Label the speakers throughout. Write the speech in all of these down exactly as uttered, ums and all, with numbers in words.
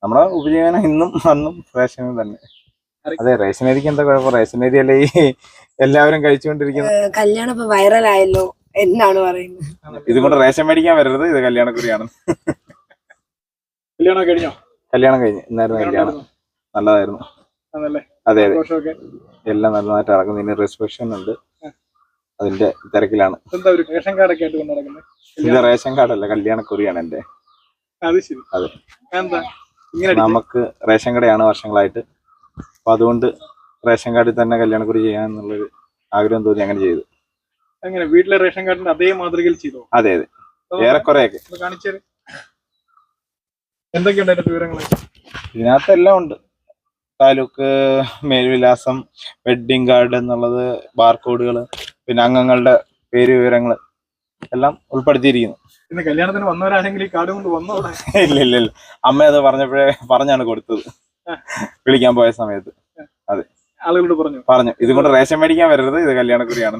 Speaker 1: നമ്മുടെ ഉപജീവനം ഇന്നും അന്നും റേഷൻ തന്നെ. അതെ, റേഷൻ അരിക്ക് എന്താ കുഴപ്പം? റേഷൻ അരി അല്ലേ ഈ എല്ലാവരും കഴിച്ചുകൊണ്ടിരിക്കുന്നത്.
Speaker 2: കല്യാണം ഇപ്പൊ വൈറലായല്ലോ എന്നാണ് പറയുന്നത്.
Speaker 1: ഇതുകൊണ്ട് റേഷൻ മേടിക്കാൻ വരരുത്, ഇത് കല്യാണക്കുറിയാണ്.
Speaker 3: കല്യാണം കഴിഞ്ഞോ?
Speaker 1: കല്യാണം കഴിഞ്ഞു, ഇന്നായിരുന്നു കല്യാണം. നല്ലതായിരുന്നു. അതെ അതെ, എല്ലാം നല്ലതായിട്ട് നടക്കുന്നു. ഇനി റിസപ്ഷൻ ഉണ്ട്, അതിന്റെ തിരക്കിലാണ്.
Speaker 3: റേഷൻ കാർഡൊക്കെ ആയിട്ട് കൊണ്ട് നടക്കുന്നത്?
Speaker 1: ഇത് റേഷൻ കാർഡല്ല, കല്യാണക്കുറിയാണ് എന്റെ. അതെ, നമുക്ക് റേഷൻ കടയാണ് വർഷങ്ങളായിട്ട്. അപ്പൊ അതുകൊണ്ട് റേഷൻ കാർഡിൽ തന്നെ കല്യാണക്കുറി ചെയ്യാന്നുള്ളൊരു ആഗ്രഹം തോന്നി അങ്ങനെ ചെയ്തു.
Speaker 3: അങ്ങനെ വീട്ടിലെ റേഷൻ കാർഡിന്റെ അതേ മാതൃകയിൽ ചെയ്തോ?
Speaker 1: അതെ അതെ, ഏറെക്കുറെയൊക്കെ.
Speaker 3: കാണിച്ചത് എന്തൊക്കെയുണ്ട് അതിന്റെ വിവരങ്ങൾ?
Speaker 1: ഇതിനകത്ത് എല്ലാം ഉണ്ട്. താലൂക്ക്, മേൽവിലാസം, വെഡ്ഡിംഗ് കാർഡ് എന്നുള്ളത്, ബാർകോഡുകൾ, പിന്നെ അംഗങ്ങളുടെ പേര് വിവരങ്ങൾ എല്ലാം ഉൾപ്പെടുത്തിയിരിക്കുന്നു.
Speaker 3: പിന്നെ കല്യാണത്തിന് വന്നവരാണെങ്കിൽ ഈ കാർഡ് കൊണ്ട് വന്നോ?
Speaker 1: ഇല്ല ഇല്ല ഇല്ല, അമ്മ അത് പറഞ്ഞപ്പോഴേ പറഞ്ഞാണ് കൊടുത്തത്, വിളിക്കാൻ പോയ സമയത്ത്. അതെ,
Speaker 3: ആളുകളോട് പറഞ്ഞു
Speaker 1: പറഞ്ഞു ഇതുകൊണ്ട് റേഷൻ മേടിക്കാൻ വരരുത്, ഇത് കല്യാണക്കുറിയാണ്.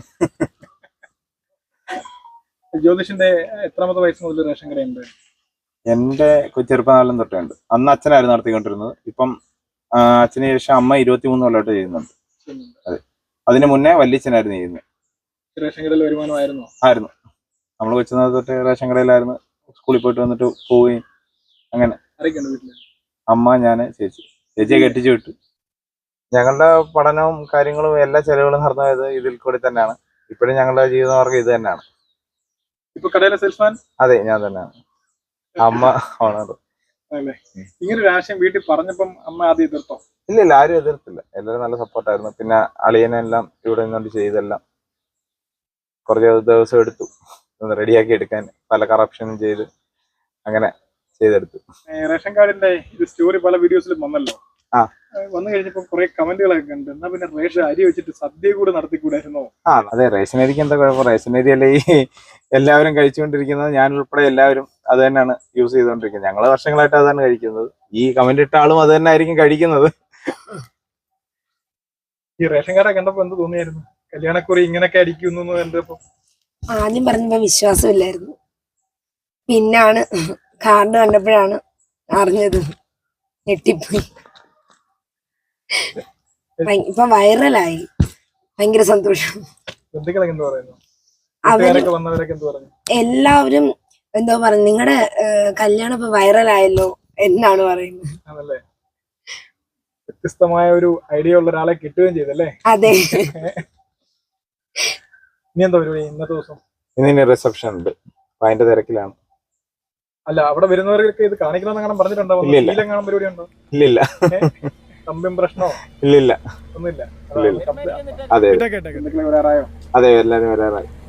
Speaker 3: ജ്യോതിഷിന്റെ എത്രാമത്തെ വയസ്സ് മുതൽ റേഷൻ കടയുണ്ട്?
Speaker 1: എന്റെ ചെറുപ്പകാലം തൊട്ടേ ഉണ്ട്. അന്ന് അച്ഛനായിരുന്നു നടത്തിക്കൊണ്ടിരുന്നത്. ഇപ്പം അച്ഛന് ശേഷം അമ്മ ഇരുപത്തി മൂന്ന് കൊല്ലമായിട്ട് ചെയ്യുന്നുണ്ട്. അതെ, അതിന് മുന്നേ വല്യച്ഛനായിരുന്നു ചെയ്യുന്നത്.
Speaker 3: റേഷൻ കടയിൽ വരുമാനമായിരുന്നു? ആയിരുന്നു.
Speaker 1: നമ്മൾ കൊച്ചുനാൾ തൊട്ട് റേഷൻ കടയിലായിരുന്നു. സ്കൂളിൽ പോയിട്ട് വന്നിട്ട് പോവുകയും അങ്ങനെ. അമ്മ, ഞാന്, ചേച്ചി. ചേച്ചിയെ കെട്ടിച്ചു വിട്ടു. ഞങ്ങളുടെ പഠനവും കാര്യങ്ങളും എല്ലാ ചെലവുകളും നടന്നത് ഇതിൽ കൂടി തന്നെയാണ്. ഇപ്പോഴും ഞങ്ങളുടെ ജീവിതമാർഗം ഇത് തന്നെയാണ്.
Speaker 3: ഇപ്പൊ കടയിലെ സെയിൽസ്മാൻ? അതെ,
Speaker 1: ഞാൻ തന്നെയാണ്. അമ്മ ഓണർ.
Speaker 3: ഇങ്ങനെ ഒരു ആശയം വീട്ടിൽ പറഞ്ഞപ്പം അമ്മ ആദ്യം എതിർത്തോ?
Speaker 1: ഇല്ല ഇല്ല, ആരും എതിർത്തില്ല. എല്ലാവരും നല്ല സപ്പോർട്ടായിരുന്നു. പിന്നെ അളിയനെല്ലാം ഇവിടെ നിന്നുകൊണ്ട് ചെയ്തെല്ലാം കുറച്ച് ദിവസം എടുത്തു ഒന്ന് റെഡിയാക്കി എടുക്കാൻ. പല കറപ്ഷനും ചെയ്ത് അങ്ങനെ ചെയ്തെടുത്തു.
Speaker 3: റേഷൻ കാർഡിന്റെ ഇത് സ്റ്റോറി പല വീഡിയോസിലും വന്നല്ലോ. ആ, വന്നു കഴിഞ്ഞപ്പോ കുറെ കമന്റുകളൊക്കെ കണ്ട്, എന്നാ പിന്നെ റേഷൻ അരി വെച്ചിട്ട് സദ്യ കൂടെ നടത്തിക്കൂടായിരുന്നോ?
Speaker 1: ആ അതെ, റേഷൻ അരിക്ക് എന്താ കുഴപ്പം? റേഷൻ അരി അല്ലേ ഈ എല്ലാവരും കഴിച്ചുകൊണ്ടിരിക്കുന്നത്. ഞാൻ ഉൾപ്പെടെ എല്ലാവരും അത് തന്നെയാണ് യൂസ് ചെയ്തുകൊണ്ടിരിക്കുന്നത്. ഞങ്ങള് വർഷങ്ങളായിട്ട് അതാണ് കഴിക്കുന്നത്. ഈ കമന്റ് ഇട്ട ആളും അത് തന്നെ ആയിരിക്കും കഴിക്കുന്നത്.
Speaker 3: ഈ റേഷൻ കാർഡ് കണ്ടപ്പോ എന്ത് തോന്നിയായിരുന്നു? കല്യാണക്കുറി ഇങ്ങനെയൊക്കെ അടിക്കുന്നു കണ്ടപ്പോ?
Speaker 2: ആദ്യം പറഞ്ഞപ്പോ വിശ്വാസമില്ലായിരുന്നു. പിന്നാണ് കാർഡ് കണ്ടപ്പോഴാണ് അറിഞ്ഞത്. ഞെട്ടിപ്പോയി. ഇപ്പൊ വൈറലായി, ഭയങ്കര സന്തോഷം. എല്ലാവരും എന്തോ പറഞ്ഞു, നിങ്ങളുടെ കല്യാണം ഇപ്പൊ വൈറലായല്ലോ എന്നാണ് പറയുന്നത്.
Speaker 3: വ്യത്യസ്തമായ ഒരു ഐഡിയ ഉള്ള ഒരാളെ കിട്ടുകയും ചെയ്തല്ലേ?
Speaker 2: അതെ.
Speaker 3: ഇനി എന്താ പരിപാടി ഇന്നത്തെ ദിവസം?
Speaker 1: ഇനി റിസപ്ഷൻ ഉണ്ട്, അപ്പൊ അതിന്റെ തിരക്കിലാണ്.
Speaker 3: അല്ല, അവിടെ വരുന്നവർക്ക് ഇത് കാണിക്കണമെന്ന് പറഞ്ഞിട്ടുണ്ടോ? പരിപാടി ഉണ്ടോ?
Speaker 1: ഇല്ലില്ല.
Speaker 3: കമ്പ്യൂം പ്രശ്നമോ?
Speaker 1: ഇല്ലില്ല,
Speaker 3: ഒന്നുമില്ല.
Speaker 1: അതെ അതെ, എല്ലാരും വരാറായി.